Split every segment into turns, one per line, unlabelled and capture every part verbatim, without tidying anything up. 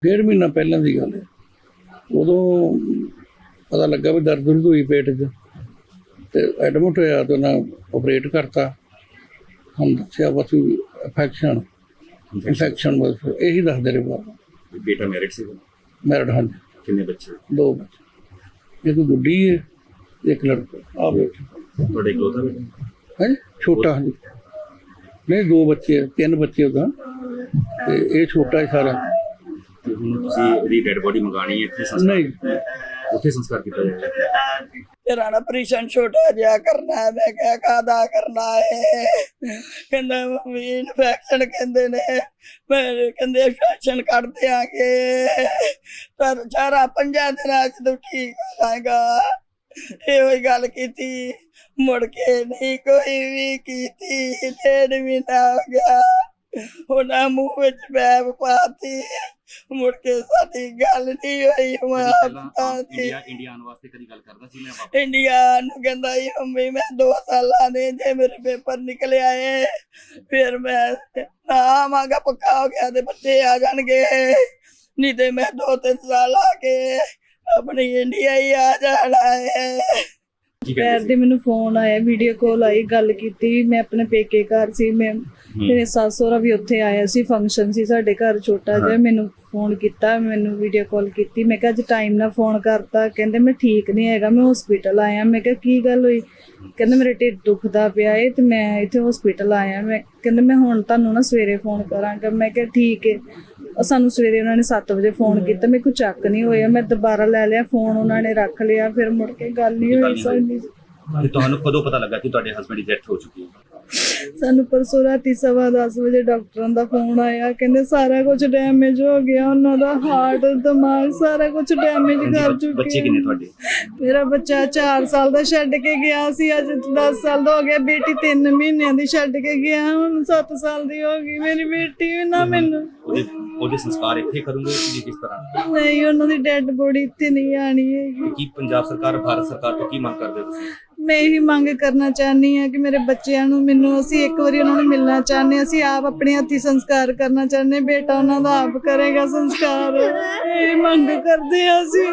डेढ़ महीना पहले की गल है। उदों पता लगा भी दर्द दुर्द हुई पेट च, तो एडमिट होया तो उन्हें ऑपरेट करता। हम दसिया बस इन्फैक्शन इन्फैक्शन बस यही दसदे रहे बार।
बेटा मैरिड से
मैरिड, हाँ जी।
कितने बच्चे?
दो बच्चे, एक गुड्डी है एक लड़का। आ बेटा
थोड़ा इकलौता बेटा
है जी, छोटा। हाँ जी, नहीं दो बच्चे, तीन बच्चे उदा, ये छोटा है सारा।
ਤੇ ਹੁਣ ਤੁਸੀਂ ਇਹਦੀ ਡੈਡ ਬੋਡੀ ਮੰਗਾਣੀ ਹੈ ਇੱਥੇ ਸੰਸਕਾਰ
नहीं
ਉੱਥੇ ਸੰਸਕਾਰ ਕੀਤਾ ਜਾਏਗਾ।
तेरा ना ऑपरेशन छोटा जिहा करना है। मैं क्या कादा करना है? कहंदा मम्मी इन्फेक्शन कहंदे ने, मैं कहंदे इन्फेक्शन कर देंगे पर चारा पंजा दिन च तू ठीक हो जाएगा। ये वही गल कीती, मुड़ के नहीं कोई भी कीती। डेढ़ महीना हो गया, उन्हें मुँह विच बैब पाती, मुड़ के साडी गल नहीं हुई।
ਇੰਡੀਆ ਇੰਡੀਆ ਆਉਣ ਵਾਸਤੇ ਕਦੀ ਗੱਲ ਕਰਦਾ ਸੀ ਮੈਂ ਵਾਪਸ?
इंडिया नूं कहंदा ही मम्मी मैं दो साल ने जे मेरे पेपर निकले आए फिर मैं ना आवांगा, पक्का हो गया ते बच्चे आ जाणगे, नहीं ते मैं दो तीन साल आके अपनी इंडिया ही आ जाना है।
ਪੈਰ ਦੇ ਮੈਨੂੰ ਫੋਨ ਆਇਆ, ਵੀਡੀਓ ਕਾਲ ਆਈ, ਗੱਲ ਕੀਤੀ। ਮੈਂ ਆਪਣੇ ਪੇਕੇ ਘਰ ਸੀ, ਮੈਂ ਮੇਰੇ ਸੱਸ ਸਹੁਰਾ ਵੀ ਉੱਥੇ ਆਇਆ ਸੀ, ਫੰਕਸ਼ਨ ਸੀ ਸਾਡੇ ਘਰ ਛੋਟਾ ਜਿਹਾ। ਮੈਨੂੰ ਫੋਨ ਕੀਤਾ, ਮੈਨੂੰ ਵੀਡੀਓ ਕਾਲ ਕੀਤੀ। ਮੈਂ ਕਿਹਾ ਅੱਜ ਟਾਈਮ ਨਾਲ ਫੋਨ ਕਰਤਾ। ਕਹਿੰਦੇ ਮੈਂ ਠੀਕ ਨਹੀਂ ਹੈਗਾ, ਮੈਂ ਹਸਪੀਟਲ ਆਇਆ। ਮੈਂ ਕਿਹਾ ਕੀ ਗੱਲ ਹੋਈ? ਕਹਿੰਦੇ ਮੇਰੇ ਢਿੱਡ ਦੁਖਦਾ ਪਿਆ ਏ ਤੇ ਮੈਂ ਇੱਥੇ ਹਸਪੀਟਲ ਆਇਆ। ਮੈਂ ਕਹਿੰਦੇ ਮੈਂ ਹੁਣ ਤੁਹਾਨੂੰ ਨਾ ਸਵੇਰੇ ਫੋਨ ਕਰਾਂਗਾ। ਮੈਂ ਕਿਹਾ ਠੀਕ ਹੈ। ਸਾਨੂੰ ਸਵੇਰੇ ਉਹਨਾਂ ਨੇ ਸੱਤ ਵਜੇ ਫੋਨ ਕੀਤਾ, ਮੇਰੇ ਕੋਲ ਚੱਕ ਨਹੀਂ ਹੋਇਆ। ਮੈਂ ਦੁਬਾਰਾ ਲੈ ਲਿਆ ਫੋਨ, ਉਹਨਾਂ ਨੇ ਰੱਖ ਲਿਆ, ਫਿਰ ਮੁੜ ਕੇ ਗੱਲ ਨਹੀਂ ਹੋਈ ਸਾਡੀ।
ਤੁਹਾਨੂੰ ਕਦੋਂ ਪਤਾ ਲੱਗਾ ਕਿ ਤੁਹਾਡੇ ਹਸਬੈਂਡ ਦੀ ਡੈਥ ਹੋ ਚੁੱਕੀ ਹੈ?
ਸਾਨੂੰ ਪਰਸੋਂ ਰਾਤੀ ਸਵਾ ਦਸ ਵਜੇ ਡਾਕਟਰਾਂ ਦਾ ਫੋਨ ਆਇਆ, ਕਹਿੰਦੇ ਸਾਰਾ ਕੁਝ ਡੈਮੇਜ ਹੋ ਗਿਆ, ਉਹਨਾਂ ਦਾ ਹਾਰਟ ਦਿਮਾਗ ਸਾਰਾ ਕੁਝ ਡੈਮੇਜ ਕਰ ਚੁੱਕੇ।
ਬੱਚੇ ਕਿੰਨੇ ਤੁਹਾਡੇ?
ਮੇਰਾ ਬੱਚਾ ਚਾਰ ਸਾਲ ਦਾ ਛੱਡ ਕੇ ਗਿਆ ਸੀ, ਅੱਜ ਦਸ ਸਾਲ ਦਾ ਹੋ ਗਿਆ। ਬੇਟੀ ਤਿੰਨ ਮਹੀਨਿਆਂ ਦੀ ਛੱਡ ਕੇ ਗਿਆ, ਹੁਣ ਸੱਤ ਸਾਲ ਦੀ ਹੋ ਗਈ ਮੇਰੀ ਬੇਟੀ। ਨਾ ਮੈਨੂੰ
ਉਹਦੇ ਉਹਦੇ ਸੰਸਕਾਰ ਇੱਥੇ ਕਰੂੰਗੇ ਕਿ ਕਿਸ ਤਰ੍ਹਾਂ?
ਨਹੀਂ, ਉਹਨਾਂ ਦੀ ਡੈਡ ਬੋਡੀ ਇੱਥੇ ਨਹੀਂ ਆਣੀ ਹੈਗੀ।
ਕੀ ਪੰਜਾਬ ਸਰਕਾਰ ਭਾਰਤ ਸਰਕਾਰ ਤੋਂ ਕੀ ਮੰਗ ਕਰਦੇ ਹੋ ਤੁਸੀਂ?
ਮੈਂ ਇਹੀ ਮੰਗ ਕਰਨਾ ਚਾਹੁੰਦੀ ਹਾਂ ਕਿ ਮੇਰੇ ਬੱਚਿਆਂ ਨੂੰ, ਮੈਨੂੰ, ਅਸੀਂ ਇੱਕ ਵਾਰੀ ਉਹਨਾਂ ਨੂੰ ਮਿਲਣਾ ਚਾਹੁੰਦੇ ਹਾਂ। ਅਸੀਂ ਆਪ ਆਪਣੇ ਹੱਥੀਂ ਸੰਸਕਾਰ ਕਰਨਾ ਚਾਹੁੰਦੇ ਹਾਂ। ਬੇਟਾ ਉਹਨਾਂ ਦਾ ਆਪ ਕਰੇਗਾ ਸੰਸਕਾਰ, ਇਹ ਮੰਗ ਕਰਦੇ ਹਾਂ ਅਸੀਂ।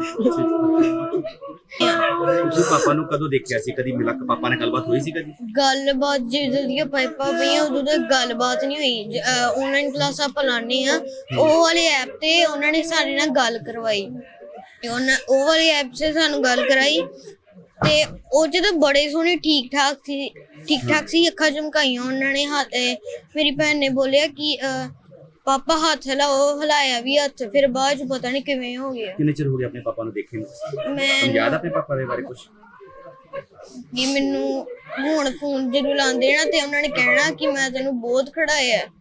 ਤੁਸੀਂ ਪਾਪਾ ਨੂੰ ਕਦੋਂ ਦੇਖਿਆ ਸੀ? ਕਦੀ ਮਿਲਾ ਕੇ ਪਾਪਾ ਨਾਲ ਗੱਲਬਾਤ ਹੋਈ ਸੀ ਕਦੀ?
ਗੱਲਬਾਤ ਜਦੋਂ ਦੀਆਂ ਪਾਈਪਾਂ ਪਈਆਂ ਉਦੋਂ ਤੱਕ ਗੱਲਬਾਤ ਨਹੀਂ ਹੋਈ। ਆਨਲਾਈਨ ਕਲਾਸਾਂ ਆਪਾਂ ਲਾਉਂਦੇ ਹਾਂ, ਉਹ ਵਾਲੇ ਐਪ ਤੇ ਉਹਨਾਂ ਨੇ ਸਾਡੇ ਨਾਲ ਗੱਲ ਕਰਵਾਈ। ਉਹਨਾਂ ਉਹ ਵਾਲੀ ਐਪ 'ਚ ਸਾਨੂੰ ਗੱਲ ਕਰਾਈ ਤੇ ਉਹ 'ਚ ਤਾਂ ਬੜੇ ਸੋਹਣੇ ਠੀਕ ਠਾਕ ਸੀ ਠੀਕ ਠਾਕ ਸੀ ਅੱਖਾਂ ਝਮਕਾਈਆਂ ਉਹਨਾਂ ਨੇ। ਹੱਥ ਮੇਰੀ ਭੈਣ ਨੇ ਬੋਲਿਆ ਕਿ ਪਾਪਾ ਹੱਥ ਹਿਲਾਓ, ਹਿਲਾਇਆ ਵੀ ਹੱਥ, ਫਿਰ ਬਾਅਦ 'ਚ ਪਤਾ ਨਹੀਂ ਕਿਵੇਂ ਹੋ ਗਿਆ।
ਕਿੰਨੇ ਚਿਰ ਹੋ ਗਿਆ ਆਪਣੇ ਪਾਪਾ ਨੂੰ ਦੇਖੇ ਨੂੰ?
ਮੈਂ
ਯਾਦ ਆਪਣੇ ਪਾਪਾ ਦੇ ਬਾਰੇ ਕੁਝ?
ਕਿ ਮੈਨੂੰ ਹੁਣ ਫੋਨ ਜਦੋਂ ਲਾਉਂਦੇ ਨਾ ਤੇ ਉਹਨਾਂ ਨੇ ਕਹਿਣਾ ਕਿ ਮੈਂ ਤੈਨੂੰ ਬਹੁਤ ਖੜਾਇਆ।